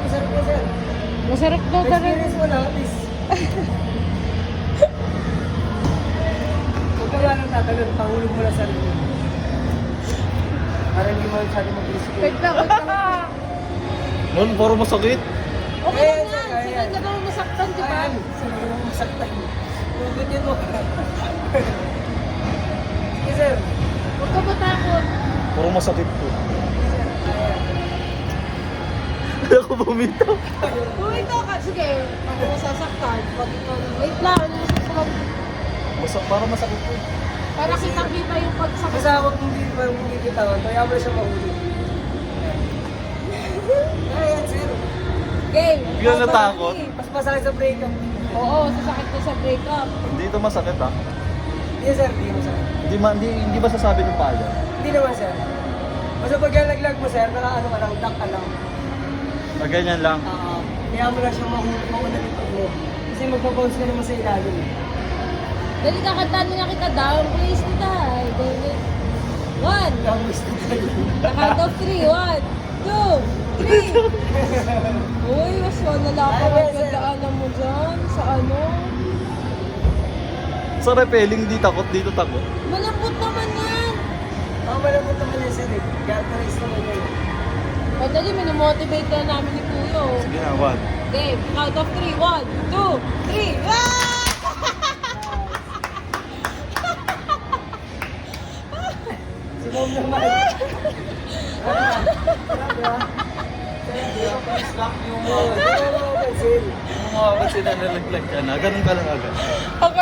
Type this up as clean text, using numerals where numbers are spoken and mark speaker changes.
Speaker 1: masarap na sir.
Speaker 2: Masarap daw talaga.
Speaker 1: Experience mo na, please. Huwag ka nga nang tatalon, pahulog mo na sa rin. Para hindi mo masyado mag-isip.
Speaker 2: Wait lang, wait lang.
Speaker 3: Mon, puro masakit.
Speaker 2: Okay
Speaker 1: Ayan,
Speaker 2: lang
Speaker 1: sir,
Speaker 2: yan. Sige,
Speaker 1: ayan.
Speaker 2: na daw masaktan, di ba?
Speaker 1: Ayan, sabi mo masaktan. Hugot yun mo. Sige sir.
Speaker 2: Huwag ka matakot.
Speaker 3: Puro masakit po.
Speaker 1: Ayan.
Speaker 3: Kaya ako bumitaw.
Speaker 2: Bumito ka. Sige, ako masasaktan. Pag ikaw na, wait lang. Ano yung susunod?
Speaker 3: Para masakit po.
Speaker 2: Para kitang-kita yung pagsakit.
Speaker 1: Basta huwag mong bibitawan, kaya mo na siya mahulog. Ayan sir.
Speaker 2: Game.
Speaker 3: Hindi ka natakot?
Speaker 1: Mas masakit sa break-up.
Speaker 2: Oo, sasakit ko sa breakup.
Speaker 3: Hindi ito masakit ha.
Speaker 1: Hindi sir, hindi masakit.
Speaker 3: Hindi ba sasabi ng pala?
Speaker 1: Hindi naman sir. Basta pag nalaglag mo sir, nakaano ka lang, duck ka lang.
Speaker 3: Ganyan lang.
Speaker 1: Kaya mo na siya mauna ng pag mo. Kasi magpapounce ka naman sa ilalim.
Speaker 2: Dali ka, kantahan nga kita down, please kita. Dali. 1.
Speaker 1: Tapos
Speaker 2: Count of 3. 1, 2, 3. Uy, mas malala ka magkadaanan mo dyan. Sa ano?
Speaker 3: Sa repelling, di takot, dito takot.
Speaker 2: Malambot naman yan.
Speaker 1: malambot naman yan sir eh. Characterize naman yan.
Speaker 2: O dali, minomotivate ka namin ni Kuyo.
Speaker 3: Sige na, 1.
Speaker 2: Okay, count of 3. 1, 2, 3. Ah!
Speaker 1: Si Mom naman.
Speaker 3: Yung mga kasi na nalaglag ka na, ganun ka lang agad.
Speaker 2: Okay.